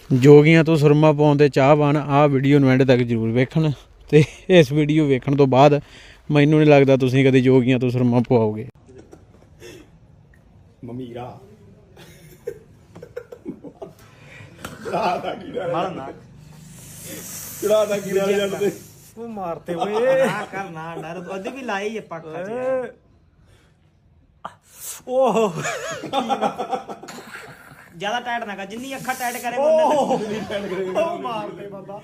ਜੋਗੀਆਂ ਤੋਂ ਸੁਰਮਾ ਪਾਉਣ ਦੇ ਚਾਹਵਾਨ ਆਹ ਵੀਡੀਓ ਨੂੰ ਐਂਡ ਤੱਕ ਜ਼ਰੂਰ ਵੇਖਣ ਤੇ ਇਸ ਵੀਡੀਓ ਵੇਖਣ ਤੋਂ ਬਾਅਦ ਮੈਨੂੰ ਨਹੀਂ ਲੱਗਦਾ ਤੁਸੀਂ ਕਦੇ ਜੋਗੀਆਂ ਤੋਂ ਸੁਰਮਾ ਪਵਾਓਗੇ। ਮਮੀਰਾ ਚੜਾਦਾ ਕੀੜਾ ਜੱਟ ਤੇ ਉਹ ਮਾਰਤੇ ਓਏ ਨਾ ਕਰ ਨਾ ਡਰ ਉਹਦੇ ਵੀ ਲਾਈ ਹੈ ਪੱਖਾ ਚ ਓਹ ਜਿਆਦਾ ਟਾਈਟ ਨਾ ਕਰ ਜਿੰਨੀ ਅੱਖਾਂ ਟਾਈਟ ਕਰੇ ਬੰਦੇ ਉਹ ਮਾਰਤੇ ਬਾਬਾ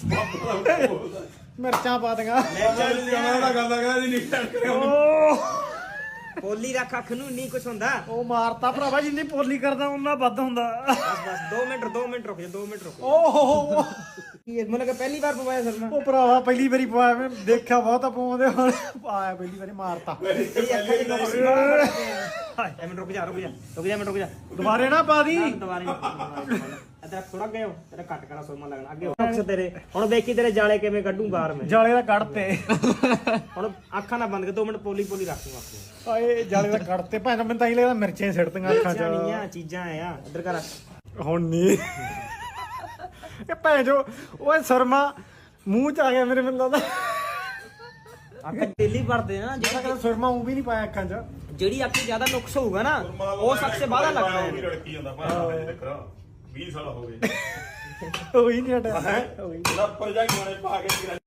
ਮਿਰਚਾਂ ਪਾ ਦੇਗਾ ਉਹਦਾ ਕਰਦਾ ਕਹਿੰਦਾ ਜੀ ਨਹੀਂ ਟੱਕਰੇ ਪੋਲੀ ਰੱਖ ਅੱਖ ਨੂੰ ਨਹੀਂ ਕੁਛ ਹੁੰਦਾ। ਉਹ ਮਾਰਤਾ ਭਰਾਵਾ ਜਿੰਨੀ ਪੋਲੀ ਕਰਦਾ ਉਹਨਾਂ ਵੱਧ ਹੁੰਦਾ। ਬਸ 2 ਮਿੰਟ ਰੁਕ ਜਾ 2 ਮਿੰਟ ਰੁਕ ਓਹ ਕੀ ਮੈਨੂੰ ਕਿ ਪਹਿਲੀ ਵਾਰ ਪਵਾਇਆ ਸਰਨਾ ਉਹ ਭਰਾਵਾ ਪਹਿਲੀ ਵਾਰੀ ਪਵਾਇਆ ਮੈਂ ਦੇਖਿਆ ਬਹੁਤਾ ਪਾਉਂਦੇ ਹੁਣ ਆਇਆ ਪਹਿਲੀ ਵਾਰੀ ਮਾਰਤਾ। ਤੇਰੀ ਅੱਖਾਂ ਚ ਨੁਕਸ ਬੜਾ ਮਿੰਟ ਰੁਕ ਜਾ ਮਿੰਟ ਦੁਬਾਰੇ ਨਾ ਪਾ ਦੀ ਦੁਬਾਰੇ ਇਧਰ ਥੋੜਾ ਗਏ ਤੇਰਾ ਕੱਟ ਕਰਾ ਸੋਮਾ ਲੱਗਣਾ ਅੱਗੇ ਨੁਕਸ ਤੇਰੇ ਹੁਣ ਵੇਖੀ ਤੇਰੇ ਜਾਲੇ ਕਿਵੇਂ ਕੱਢੂ ਬਾਹਰ ਮੈਂ ਜਾਲੇ ਦਾ ਕੱਢਤੇ ਹੁਣ ਅੱਖਾਂ ਨਾ ਬੰਦ ਕਰ 2 ਮਿੰਟ ਪੋਲੀ ਰੱਖ ਨੂੰ ਅੱਖ ਆਏ ਜਾਲੇ ਦਾ ਕੱਢਤੇ ਭਾਂ ਮੈਨੂੰ ਤਾਂ ਹੀ ਲੱਗਦਾ ਮਿਰਚਾਂ ਸਿੱਟਦੀਆਂ ਅੱਖਾਂ 'ਚ ਨਹੀਂ ਆ ਚੀਜ਼ਾਂ ਆ ਇੱਧਰ ਕਰ ਹੁਣ ਨਹੀਂ ਇਹ ਭੈਣ ਜੋ ਓਏ ਸਰਮਾ ਮੂੰਹ 'ਚ ਆ ਗਿਆ ਮੇਰੇ ਮੈਨੂੰ ਲੱਗਦਾ ਅੱਖ ਡੇਲੀ ਭਰਦੇ ਨਾ ਜਿਹੜਾ ਕਹਿੰਦਾ ਸੁਰਮਾ ਉਹ ਵੀ ਨਹੀਂ ਪਾਇਆ ਅੱਖਾਂ 'ਚ ਜਿਹੜੀ ਅੱਖ ਜ਼ਿਆਦਾ ਨੁਕਸ ਹੋਊਗਾ ਨਾ ਉਹ ਸਭ ਤੋਂ ਬਾਹਲਾ ਲੱਗਦਾ ਹੈ ਲੜਕੀ ਜਾਂਦਾ ਭਾਵੇਂ ਦੇਖ 20 ਸਾਲ ਹੋ ਗਏ ਉਹੀ ਨਹੀਂ ਹਟਿਆ ਹੈ ਲੱਪਰ ਜਾ ਕੇ ਪਾ ਕੇ